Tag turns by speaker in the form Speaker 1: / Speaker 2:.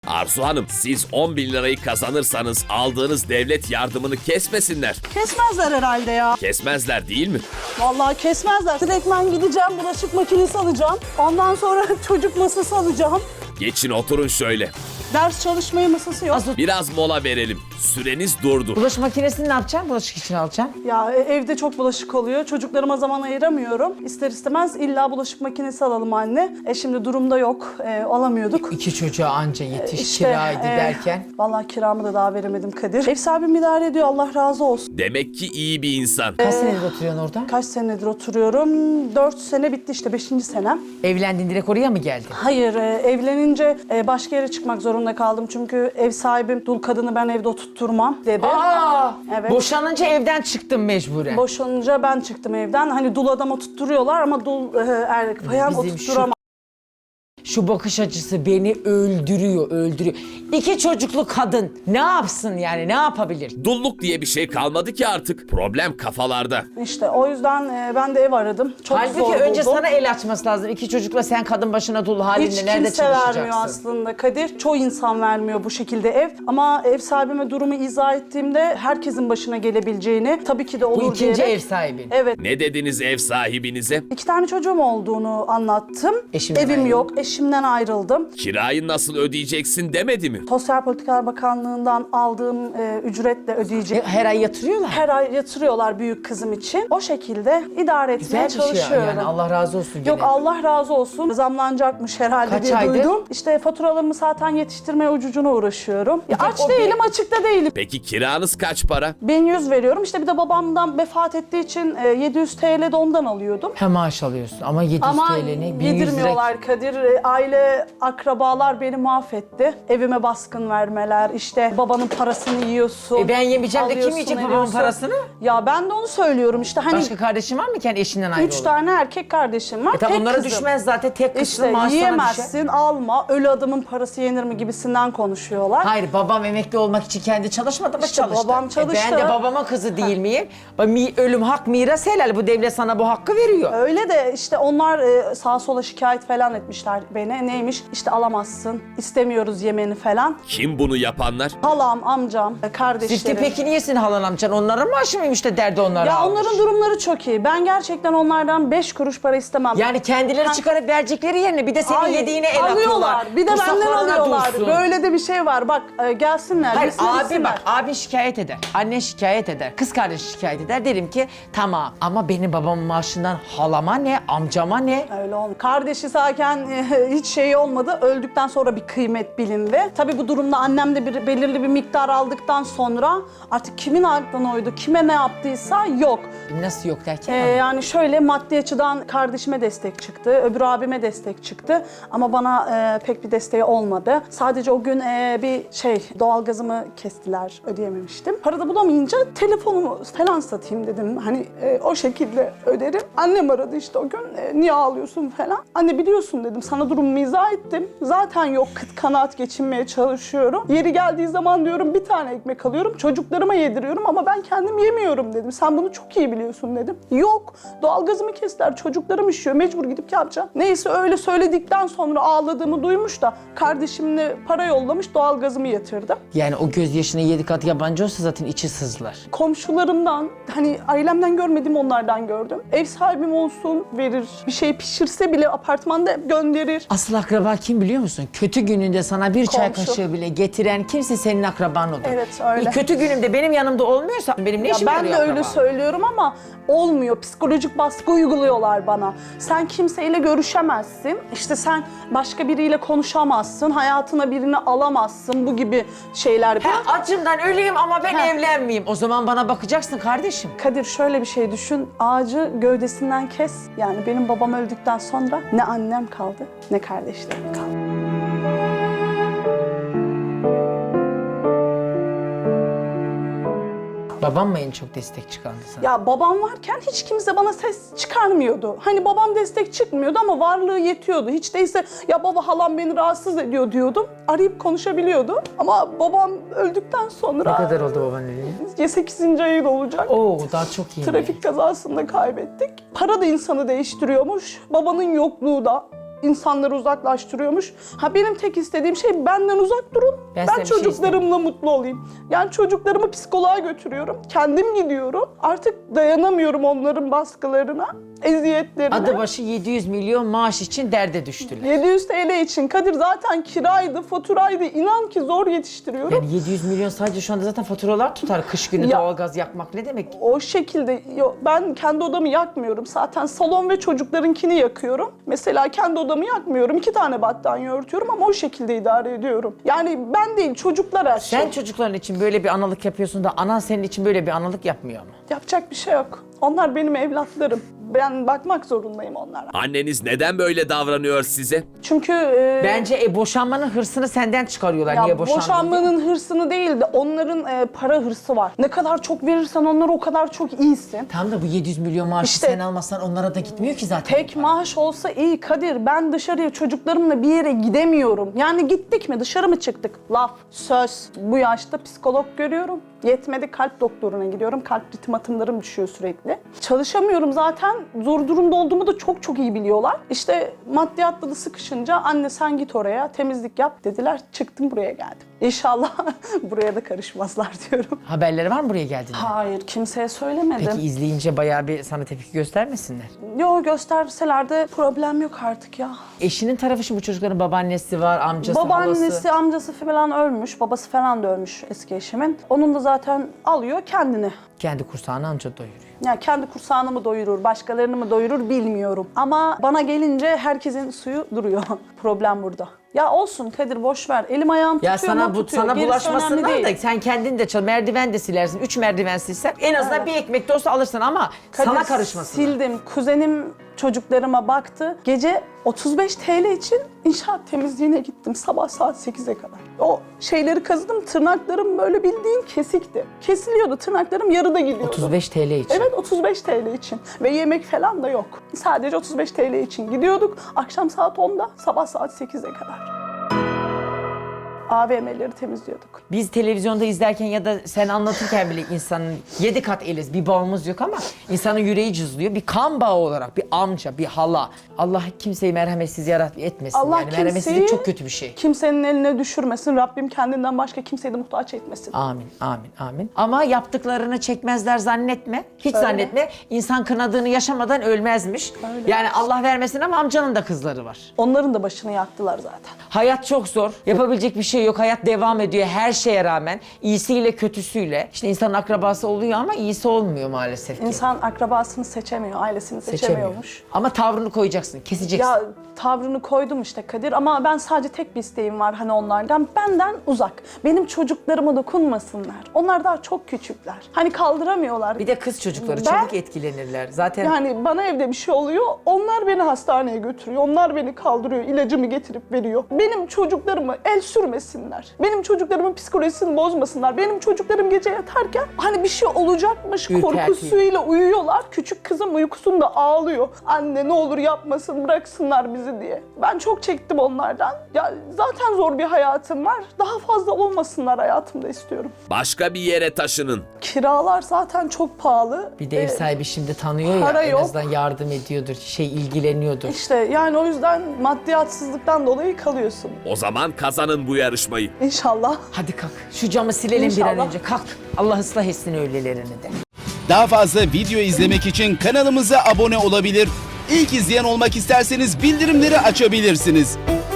Speaker 1: Arzu Hanım, siz 10 bin lirayı kazanırsanız aldığınız devlet yardımını kesmesinler.
Speaker 2: Kesmezler herhalde ya.
Speaker 1: Kesmezler değil mi?
Speaker 2: Vallahi kesmezler. Direktmen gideceğim, bulaşık makinesi alacağım. Ondan sonra çocuk masası alacağım.
Speaker 1: Geçin oturun şöyle.
Speaker 2: Ders çalışmaya masası yok.
Speaker 1: Biraz mola verelim. Süreniz durdu.
Speaker 3: Bulaşık makinesini ne yapacaksın? Bulaşık için alacaksın.
Speaker 2: Ya evde çok bulaşık oluyor. Çocuklarıma zaman ayıramıyorum. İster istemez illa bulaşık makinesi alalım anne. Şimdi durumda yok. Alamıyorduk.
Speaker 3: İki çocuğa anca yetiş
Speaker 2: İşte,
Speaker 3: kiraydı derken.
Speaker 2: Vallahi kiramı da daha veremedim Kadir. Ev sahibim idare ediyor, Allah razı olsun.
Speaker 1: Demek ki iyi bir insan.
Speaker 3: Kaç senedir oturuyorsun orada?
Speaker 2: Kaç senedir oturuyorum? 4 sene bitti işte, 5. senem.
Speaker 3: Evlendin direkt oraya mı geldin?
Speaker 2: Hayır, evlenince başka yere çıkmak zorunda kaldım. Çünkü ev sahibim dul kadını ben evde oturtturmam dedi.
Speaker 3: Aa!
Speaker 2: Evet.
Speaker 3: Boşanınca evden çıktın mecburen.
Speaker 2: Boşanınca ben çıktım evden. Hani dul adam oturtturuyorlar ama dul bayan
Speaker 3: Bizim
Speaker 2: oturtturamam.
Speaker 3: Şu bakış açısı beni öldürüyor, öldürüyor. İki çocuklu kadın ne yapsın yani, ne yapabilir?
Speaker 1: Dulluk diye bir şey kalmadı ki artık. Problem kafalarda.
Speaker 2: İşte o yüzden ben de ev aradım. Çok
Speaker 3: Halbuki
Speaker 2: zor
Speaker 3: önce
Speaker 2: buldum.
Speaker 3: sana el açması lazım. İki çocukla sen kadın başına dul halinde
Speaker 2: Hiç
Speaker 3: nerede
Speaker 2: kimse vermiyor
Speaker 3: çalışacaksın?
Speaker 2: aslında Kadir. Çoğu insan vermiyor bu şekilde ev. Ama ev sahibime durumu izah ettiğimde herkesin başına gelebileceğini, tabii ki de olur
Speaker 3: Bu ikinci
Speaker 2: diyerek.
Speaker 3: ev sahibin.
Speaker 2: Evet.
Speaker 1: Ne dediniz ev sahibinize?
Speaker 2: 2 tane çocuğum olduğunu anlattım.
Speaker 3: Eşimden
Speaker 2: Evim
Speaker 3: ayrıldın.
Speaker 2: yok. Eşimden ayrıldım.
Speaker 1: Kirayı nasıl ödeyeceksin demedi mi?
Speaker 2: Sosyal Politikalar Bakanlığı'ndan aldığım ücretle ödeyeceğim.
Speaker 3: Her ay yatırıyorlar.
Speaker 2: Her ay yatırıyorlar büyük kızım için. O şekilde idare etmeye
Speaker 3: Güzel bir şey
Speaker 2: çalışıyorum.
Speaker 3: yani, Allah razı olsun.
Speaker 2: Yok,
Speaker 3: gene.
Speaker 2: Allah razı olsun. Zamlanacakmış herhalde
Speaker 3: Kaç
Speaker 2: diye
Speaker 3: aydır?
Speaker 2: duydum. İşte faturalarımı zaten yetiştirmeye ucucuna uğraşıyorum. Ya aç
Speaker 3: o
Speaker 2: değilim, açıkta değilim.
Speaker 1: Peki kiranız kaç para?
Speaker 2: 1100 veriyorum. İşte bir de babamdan vefat ettiği için 700 TL de ondan alıyordum.
Speaker 3: He, maaş alıyorsun ama 700
Speaker 2: Ama
Speaker 3: TL ne? 1100 lira.
Speaker 2: yedirmiyorlar Kadir. Aile, akrabalar beni mahvetti. Evime baskın vermeler, işte babanın parasını yiyorsun.
Speaker 3: Ben yemeyeceğim de kim
Speaker 2: alıyorsun,
Speaker 3: yiyecek babamın
Speaker 2: ediyorsun.
Speaker 3: parasını?
Speaker 2: Ya ben de onu söylüyorum işte. Hani
Speaker 3: Başka kardeşin var mı kendi eşinden ayrı
Speaker 2: 3
Speaker 3: olan?
Speaker 2: tane erkek kardeşim var.
Speaker 3: Tamam,
Speaker 2: tek
Speaker 3: onlara
Speaker 2: kızım.
Speaker 3: düşmez zaten, tek kızsın,
Speaker 2: İşte
Speaker 3: maaş sana
Speaker 2: yiyemezsin,
Speaker 3: düşer.
Speaker 2: alma, ölü adamın parası yenir mi gibisinden konuşuyorlar.
Speaker 3: Hayır, babam emekli olmak için kendi çalışmadı mı?
Speaker 2: İşte
Speaker 3: çalıştı.
Speaker 2: babam çalıştı.
Speaker 3: Ben de babamın kızı değil miyim? Ölüm hak, miras helal. Bu devlet sana bu hakkı veriyor.
Speaker 2: Öyle de işte onlar sağa sola şikayet falan etmişler beni. Neymiş? İşte alamazsın, istemiyoruz yemeni falan.
Speaker 1: Kim bunu yapanlar?
Speaker 2: Halam, amcam, kardeşlerim.
Speaker 3: Zifti peki niyesin halan amcan? Onların maaşı mıymış da derdi onlara
Speaker 2: Ya
Speaker 3: almış?
Speaker 2: onların durumları çok iyi. Ben gerçekten onlardan 5 kuruş para istemem.
Speaker 3: Yani kendileri çıkarıp verecekleri yerine bir de senin
Speaker 2: Hayır,
Speaker 3: yediğine el atıyorlar.
Speaker 2: alıyorlar. Bir de
Speaker 3: Bu
Speaker 2: benden
Speaker 3: saflarına
Speaker 2: alıyorlar.
Speaker 3: dursun.
Speaker 2: Böyle de bir şey var. Bak gelsinler.
Speaker 3: Hayır,
Speaker 2: yesinler,
Speaker 3: abi
Speaker 2: yesinler.
Speaker 3: bak, abin şikayet eder, annen şikayet eder, kız kardeşi şikayet eder. Derim ki tamam ama benim babamın maaşından halama ne, amcama ne?
Speaker 2: Öyle olmuyor. Kardeşi zaten hiç şey olmadı. Öldükten sonra bir kıymet bilindi. Tabii bu durumda annem de belirli bir miktar aldıktan sonra artık kimin aklına uydu, kime ne yaptıysa yok.
Speaker 3: Nasıl yok derken?
Speaker 2: Yani şöyle maddi açıdan kardeşime destek çıktı, öbür abime destek çıktı ama bana pek bir desteği olmadı. Sadece o gün bir doğalgazımı kestiler, ödeyememiştim. Para da bulamayınca telefonumu falan satayım dedim. Hani o şekilde öderim. Annem aradı işte o gün, niye ağlıyorsun falan. Anne biliyorsun dedim, sana durumumu izah ettim. Zaten yok, kıt kanaat geçinmeye çalışıyorum. Yeri geldiği zaman diyorum bir tane ekmek alıyorum, çocuklarıma yediriyorum ama ben kendim yemiyorum dedim. Sen bunu çok iyi biliyorsun dedim. Yok, doğalgazımı kestiler, çocuklarım üşüyor, mecbur gidip yapacağım. Neyse öyle söyledikten sonra ağladığımı duymuş da kardeşimle para yollamış, doğalgazımı yatırdım.
Speaker 3: Yani o gözyaşına 7 kat yabancı olsa zaten içi sızlar.
Speaker 2: Komşularımdan, hani ailemden görmedim, onlardan gördüm. Ev sahibim olsun verir, bir şey pişirse bile apartmanda gönderir.
Speaker 3: Asıl akraba kim biliyor musun? Kötü gününde sana bir çay
Speaker 2: Komşu.
Speaker 3: kaşığı bile getiren kimse senin akraban odur.
Speaker 2: Evet, öyle.
Speaker 3: Kötü günümde benim yanımda olmuyorsa benim ne
Speaker 2: Ya
Speaker 3: işim
Speaker 2: ben
Speaker 3: yarıyor
Speaker 2: de öyle
Speaker 3: akraba?
Speaker 2: söylüyorum ama olmuyor. Psikolojik baskı uyguluyorlar bana. Sen kimseyle görüşemezsin. İşte sen başka biriyle konuşamazsın. Hayatına birini alamazsın. Bu gibi şeyler.
Speaker 3: Acımdan öleyim ama ben
Speaker 2: Ha.
Speaker 3: evlenmeyeyim. O zaman bana bakacaksın kardeşim.
Speaker 2: Kadir şöyle bir şey düşün. Ağacı gövdesinden kes. Yani benim babam öldükten sonra ne annem kaldı ne kardeşlerim kaldı.
Speaker 3: Babam mı en çok destek çıkardı sana?
Speaker 2: Ya babam varken hiç kimse bana ses çıkarmıyordu. Hani babam destek çıkmıyordu ama varlığı yetiyordu. Hiç değilse ya baba halam beni rahatsız ediyor diyordum. Arayıp konuşabiliyordu. Ama babam öldükten sonra...
Speaker 3: Ne kadar oldu baban öleli?
Speaker 2: 8. ayı da olacak.
Speaker 3: Oo, daha çok iyi.
Speaker 2: Trafik kazasında kaybettik. Para da insanı değiştiriyormuş. Babanın yokluğu da. insanları uzaklaştırıyormuş. Ha benim tek istediğim şey benden uzak durun.
Speaker 3: Ben
Speaker 2: Ben
Speaker 3: size bir şey
Speaker 2: çocuklarımla mutlu olayım. Yani çocuklarımı psikoloğa götürüyorum. Kendim gidiyorum. Artık dayanamıyorum onların baskılarına, eziyetlerine.
Speaker 3: Adı başı 700 milyon maaş için derde düştüler.
Speaker 2: 700 TL için Kadir zaten kiraydı, faturaydı. İnan ki zor yetiştiriyorum.
Speaker 3: Yani 700 milyon sadece şu anda zaten faturalar tutar. Kış günü
Speaker 2: Ya-
Speaker 3: doğalgaz yakmak ne demek?
Speaker 2: O şekilde ben kendi odamı yakmıyorum. Zaten salon ve çocuklarınkini yakıyorum. Mesela kendi odamı yakmıyorum. 2 tane battaniye örtüyorum ama o şekilde idare ediyorum. Yani ben değil, çocuklar her şey.
Speaker 3: Sen çocukların için böyle bir analık yapıyorsun da anan senin için böyle bir analık yapmıyor mu?
Speaker 2: Yapacak bir şey yok. Onlar benim evlatlarım. Ben bakmak zorundayım onlara.
Speaker 1: Anneniz neden böyle davranıyor size?
Speaker 2: Çünkü
Speaker 3: Bence boşanmanın hırsını senden çıkarıyorlar.
Speaker 2: ya
Speaker 3: Niye boşandın diye.
Speaker 2: boşanmanın hırsını değil de onların para hırsı var. Ne kadar çok verirsen onlara o kadar çok iyisin.
Speaker 3: Tam da bu 700 milyon maaşı
Speaker 2: İşte-
Speaker 3: sen almazsan onlara da gitmiyor ki zaten.
Speaker 2: Tek maaş olsa iyi Kadir. Ben dışarıya çocuklarımla bir yere gidemiyorum. Yani gittik mi, dışarı mı çıktık? Laf, söz. Bu yaşta psikolog görüyorum. Yetmedi, kalp doktoruna gidiyorum. Kalp ritim atımlarım düşüyor sürekli. Çalışamıyorum zaten. Zor durumda olduğumu da çok çok iyi biliyorlar. İşte maddiyatla da sıkışınca anne sen git oraya temizlik yap dediler. Çıktım buraya geldim. İnşallah buraya da karışmazlar diyorum.
Speaker 3: Haberleri var mı buraya geldiğinde?
Speaker 2: Hayır, kimseye söylemedim.
Speaker 3: Peki izleyince bayağı bir sana tepki göstermesinler.
Speaker 2: Yo, gösterseler de problem yok artık ya.
Speaker 3: Eşinin tarafı şimdi bu çocukların babaannesi var, amcası,
Speaker 2: Babaannesi,
Speaker 3: halası.
Speaker 2: amcası falan ölmüş. Babası falan da ölmüş eski eşimin. Onun da zaten alıyor kendini.
Speaker 3: Kendi kursağını anca doyuruyor.
Speaker 2: Yani kendi kursağını mı doyurur, başkalarını mı doyurur bilmiyorum. Ama bana gelince herkesin suyu duruyor. Problem burada. Ya olsun Kadir, boş ver. Elim ayağım tutuyor
Speaker 3: Ya sana
Speaker 2: mu
Speaker 3: bu
Speaker 2: tutuyor.
Speaker 3: sana
Speaker 2: Gerisi
Speaker 3: bulaşmasından
Speaker 2: önemli
Speaker 3: da
Speaker 2: değil.
Speaker 3: sen kendin de çal, merdiven de silersin. 3 merdiven silsen en azından
Speaker 2: Evet.
Speaker 3: bir ekmek de olsa alırsın ama
Speaker 2: Kadir,
Speaker 3: sana karışmasın.
Speaker 2: sildim. Kuzenim çocuklarıma baktı. Gece 35 TL için inşaat temizliğine gittim sabah saat 8'e kadar. O şeyleri kazıdım, tırnaklarım böyle bildiğin kesikti. Kesiliyordu, tırnaklarım yarıda gidiyordu.
Speaker 3: 35 TL için.
Speaker 2: Evet, 35 TL için ve yemek falan da yok. Sadece 35 TL için gidiyorduk. Akşam saat 10'da, sabah saat 8'e kadar. AVM'leri temizliyorduk.
Speaker 3: Biz televizyonda izlerken ya da sen anlatırken bile insanın 7 kat eliz, bir bağımız yok ama insanın yüreği cızlıyor. Bir kan bağı olarak, bir amca, bir hala. Allah kimseyi merhametsiz etmesin.
Speaker 2: Allah
Speaker 3: yani merhametsizlik çok kötü bir şey.
Speaker 2: kimsenin eline düşürmesin. Rabbim kendinden başka kimseyi de muhtaç etmesin.
Speaker 3: Amin, amin, amin. Ama yaptıklarını çekmezler zannetme. Hiç
Speaker 2: Öyle.
Speaker 3: zannetme. İnsan kınadığını yaşamadan ölmezmiş.
Speaker 2: Öyle.
Speaker 3: Yani Allah vermesin ama amcanın da kızları var.
Speaker 2: Onların da başını yaktılar zaten.
Speaker 3: Hayat çok zor. Yapabilecek bir şey yok. Hayat devam ediyor her şeye rağmen. İyisiyle kötüsüyle. İşte insanın akrabası oluyor ama iyisi olmuyor maalesef ki.
Speaker 2: İnsan akrabasını seçemiyor, ailesini seçemiyormuş.
Speaker 3: Ama tavrını koyacaksın, keseceksin.
Speaker 2: Ya tavrını koydum işte Kadir ama ben sadece tek bir isteğim var hani onlardan. Benden uzak. Benim çocuklarıma dokunmasınlar. Onlar daha çok küçükler. Hani kaldıramıyorlar.
Speaker 3: Bir de kız çocukları
Speaker 2: Ben-
Speaker 3: çabuk etkilenirler. Zaten
Speaker 2: Yani bana evde bir şey oluyor, onlar beni hastaneye götürüyor, onlar beni kaldırıyor, ilacımı getirip veriyor. Benim çocuklarımı el sürmesinler, benim çocuklarımın psikolojisini bozmasınlar. Benim çocuklarım gece yatarken hani bir şey olacakmış
Speaker 3: Ürpertiyor.
Speaker 2: korkusuyla uyuyorlar. Küçük kızım uykusunda ağlıyor. Anne ne olur yapmasın, bıraksınlar bizi diye. Ben çok çektim onlardan. Ya zaten zor bir hayatım var. Daha fazla olmasınlar hayatımda istiyorum.
Speaker 1: Başka bir yere taşının.
Speaker 2: Kiralar zaten çok pahalı.
Speaker 3: bir de ev sahibi şimdi tanıyor ya,
Speaker 2: para
Speaker 3: en
Speaker 2: yok.
Speaker 3: azından yardım ediyordur, ilgileniyordur.
Speaker 2: İşte yani o yüzden maddiyatsızlıktan dolayı kalıyorsun.
Speaker 1: O zaman kazanın bu yarışmayı.
Speaker 2: İnşallah.
Speaker 3: Hadi kalk, şu camı silelim bir an
Speaker 2: İnşallah.
Speaker 3: önce. Kalk, Allah ıslah etsin öylelerini de.
Speaker 4: Daha fazla video izlemek için kanalımıza abone olabilir. İlk izleyen olmak isterseniz bildirimleri açabilirsiniz.